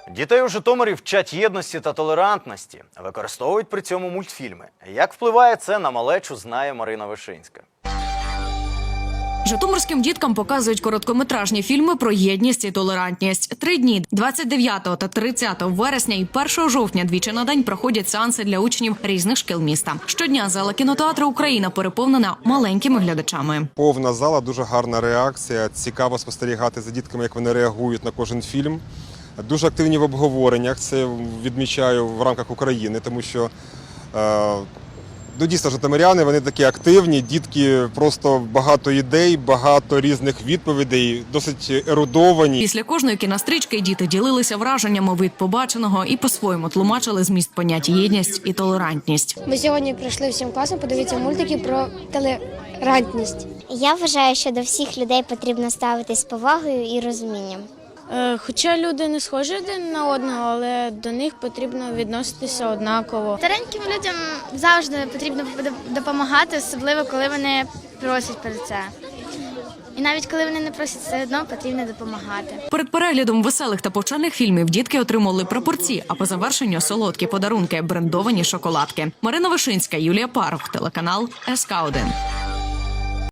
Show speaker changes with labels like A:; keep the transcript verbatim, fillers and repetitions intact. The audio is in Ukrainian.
A: Дітей у Житомирі вчать єдності та толерантності, використовують при цьому мультфільми. Як впливає це на малечу, знає Марина Вишинська.
B: Житомирським діткам показують короткометражні фільми про єдність і толерантність. Три дні – двадцять дев'ятого та тридцятого вересня і першого жовтня двічі на день проходять сеанси для учнів різних шкіл міста. Щодня зала кінотеатру «Україна» переповнена маленькими глядачами.
C: Повна зала, дуже гарна реакція. Цікаво спостерігати за дітками, як вони реагують на кожен фільм. Дуже активні в обговореннях, це відмічаю в рамках України, тому що е, ну, дійсно житомиряни, вони такі активні, дітки просто багато ідей, багато різних відповідей, досить ерудовані.
B: Після кожної кінострічки діти ділилися враженнями від побаченого і по-своєму тлумачили зміст понять єдність і толерантність.
D: Ми сьогодні прийшли всім класом подивитися мультики про толерантність.
E: Я вважаю, що до всіх людей потрібно ставитись з повагою і розумінням.
F: Хоча люди не схожі один на одного, але до них потрібно відноситися однаково.
G: Стареньким людям завжди потрібно допомагати, особливо коли вони просять про це. І навіть коли вони не просять, все одно потрібно допомагати.
B: Перед переглядом веселих та повчальних фільмів дітки отримали прапорці, а по завершенню солодкі подарунки – брендовані шоколадки. Марина Вишинська, Юлія Парух, телеканал ес ка один.